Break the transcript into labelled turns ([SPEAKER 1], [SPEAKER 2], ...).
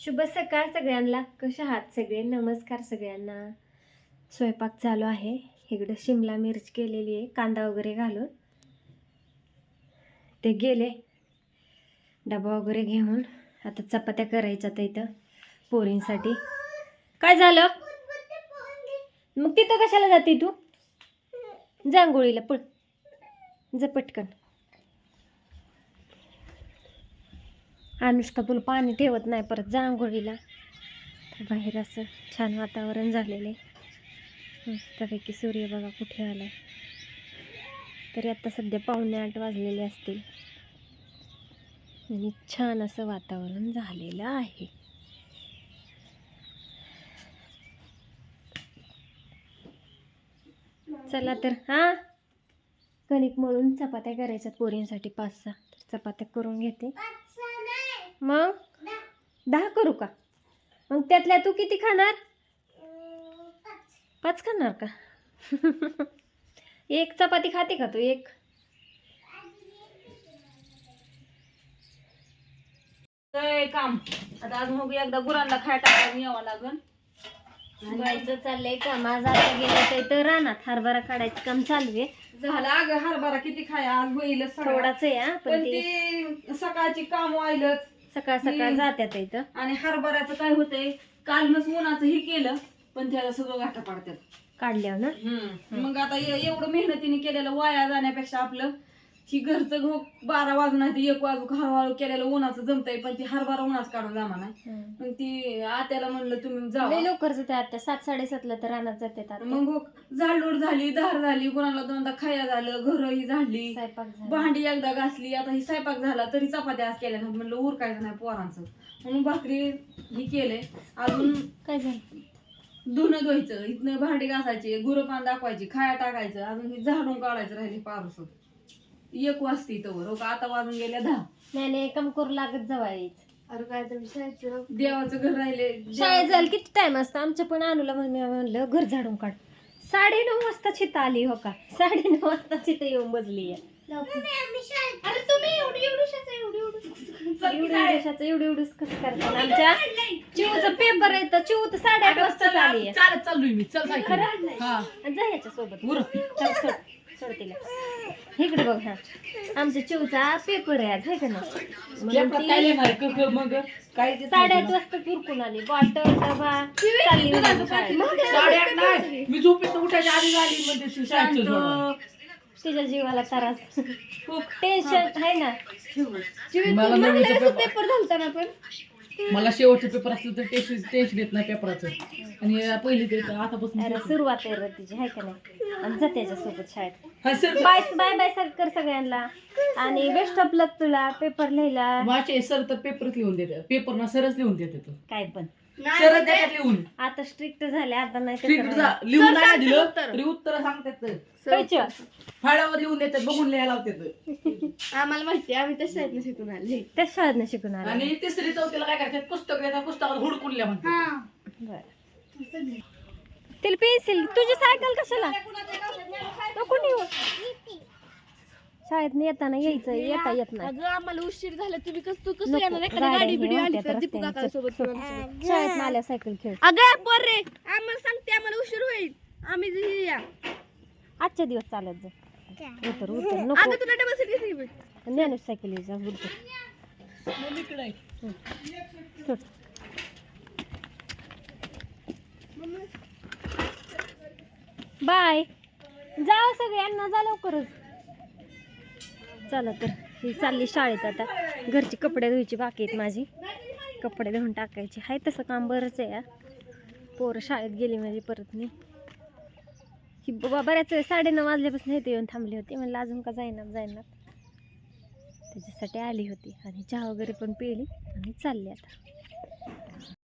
[SPEAKER 1] शुभ सकाळ सगळ्यांना. कशा आहात सगळे? नमस्कार सगळ्यांना. स्वयंपाक चालू आहे. इकडं शिमला मिरच केलेली आहे कांदा वगैरे घालून. ते गेले डबा वगैरे घेऊन. आता चपात्या करायच्या तर इथं पोरींसाठी. काय झालं मग? तिथं कशाला जाते तू? जांगोळीला पळ जा पटकन. अनुष्का तुला पाणी ठेवत नाही परत जांगोळीला. बाहेर असं छान वातावरण झालेलं आहे. मस्तपैकी सूर्य बघा कुठे आलाय. तरी आता सध्या 7:45 वाजलेले असतील आणि छान असं वातावरण झालेलं आहे. चला तर हा कणिक मळून चपात्या करायच्यात पोरींसाठी 5-6 चपात्या करून घेते. मग 10 करू का? मग त्यातल्या तू किती खाणार? 5 खाणार का? एक चपाती खाते का तू? एक
[SPEAKER 2] काम आता आज मग एकदा गुरांना खाय टाकायला यावं लागल.
[SPEAKER 1] जायचं चाललंय काम. आज आता गेलं तर रानात हरभरा काढायचं काम चालू आहे.
[SPEAKER 2] झालं अगं हरभरा किती खाय आज होईल
[SPEAKER 1] थोडाच आहे हा,
[SPEAKER 2] पण ती सकाळची काम व्हायला
[SPEAKER 1] सकाळ सकाळ जात्यात इथं.
[SPEAKER 2] आणि हरभऱ्याचं काय होतंय कालच उन्हाचं हे केलं पण त्याला सगळं गाठा पाडतात
[SPEAKER 1] काढल्यावर ना.
[SPEAKER 2] मग आता एवढं मेहनतीने केलेलं वाया जाण्यापेक्षा आपलं ही घरचं गहू 12 वाजून नाही ते 1 वाजू हळूहळू केलेलं उन्हाचं जमतंय. पण ती हरभरा उन्हाच काढून जमा नाही. मग ती आत्याला म्हणलं तुम्ही जावा.
[SPEAKER 1] लवकर जाते आता 7-7:30 तर रानात जाते.
[SPEAKER 2] मग झाडलोट झाली, धार झाली, कोणाला 2दा खाया झालं, घरही झाली,
[SPEAKER 1] स्वयंपाक झाला.
[SPEAKER 2] भांडी एकदा घासली. आता ही स्वयंपाक झाला तरी चपात्या आज केल्या नाही. म्हणलं उरकायचं नाही पोरांचं म्हणून भाकरी ही केलंय. अजून
[SPEAKER 1] काय झालं?
[SPEAKER 2] धुणं धुवायचं, इथनं भांडी घासायची, गुरपान दाखवायची, खाया टाकायचं, अजून ही झाडून काढायचं राहिली पारस. 1 वाजती तवर हो का आता वाजून गेल्या 10.
[SPEAKER 1] नाही काम करू लागत जवायच.
[SPEAKER 2] अरे काय तर शाळेचं देवाचं घर राहिले.
[SPEAKER 1] शाळेत जायला किती टाइम असतं? आमच्या पण अनुला म्हणलं घर झाडून काढ. 9:30 वाजता चिता आली हो का? 9:30 वाजता चिता येऊन बसली आहे. एवढं कसं करतात? आमच्या चिवचा पेपर आहे तर चिव तर 8:30 वाजता आली आहे.
[SPEAKER 2] चालत चाललोय मी. चल सायकल. हा
[SPEAKER 1] जा याच्या सोबत. सोड तिला. इकडे बघ. हा आमच्या चिवचा पेपर आहे आज, है का नाही?
[SPEAKER 2] मग काय
[SPEAKER 1] 8:30 वाजता पुरकून आली. बॉटल डबा चालली होती शाळेत.
[SPEAKER 2] 8:30 नाही मी झोपेत उठायच्या आधी झाली म्हणजे शाळेत सोडवा.
[SPEAKER 1] तिच्या जीवाला त्रास खूप टेन्शन आहे ना.
[SPEAKER 2] पेपर झालता पण मला शेवटचं पेपर असलं तर टेन्शन येत नाही पेपराचं. आणि पहिली ते आतापासून
[SPEAKER 1] अरे सुरुवात आहे तिची, आहे का नाही? आणि जा त्याच्यासोबत शाळेत. बाय बाय बाय कर सगळ्यांना आणि बेस्ट ऑफ लक तुला पेपर लिहायला.
[SPEAKER 2] माझे सर तर पेपरच लिहून देतात. पेपर ना सरच लिहून देतात.
[SPEAKER 1] काय पण
[SPEAKER 2] सर देतात लिहून.
[SPEAKER 1] आता स्ट्रिक्ट झाले. आता नाही
[SPEAKER 2] लिहून नाही दिलं तरी उत्तर सांगतात. फाळावर लिहून देतात, बघून लिहायला लावतात.
[SPEAKER 1] आम्हाला माहिती, आम्ही त्या शाळेत शिकून आले. त्या शाळेत शिकून आले.
[SPEAKER 2] आणि 3री-4थीला काय करतात? पुस्तक देतात, पुस्तकात हुडकून लिहा म्हणतात.
[SPEAKER 1] बरं तिला पेन्सिल. तुझी सायकल कशाला? नको नेऊ. शाळेत येताना यायचं, येता येत नाही.
[SPEAKER 3] आम्हाला उशीर झाला. तुम्ही कसं येणार? गाडी बिडी आली तर दीपू काकासोबत
[SPEAKER 1] शाळेत आल्या सायकल खेळ.
[SPEAKER 3] अगं पोरे आम्हाला सांगते आम्हाला उशीर होईल. आम्ही या
[SPEAKER 1] आजच्या दिवस चालत जा. उतर
[SPEAKER 3] अगं
[SPEAKER 1] नको.
[SPEAKER 3] तुला डबल सीट घेतली.
[SPEAKER 1] ज्ञानू सायकल जा उतर. सोड. बाय. जाओ सगळ्यांना, जा लवकरच. चला तर ही चालली शाळेत. आता घरची कपडे धुवायची बाकी आहेत माझी. कपडे धुवून टाकायची आहे. तसं काम बरंच आहे. पोरं शाळेत गेली म्हणजे परत नाही. ही बऱ्याच वेळ 9:30 वाजल्यापासून इथे येऊन थांबली होती. म्हणलं अजून का जाईना त्याच्यासाठी आली होती. आणि चहा वगैरे पण पिली आणि चालली आता.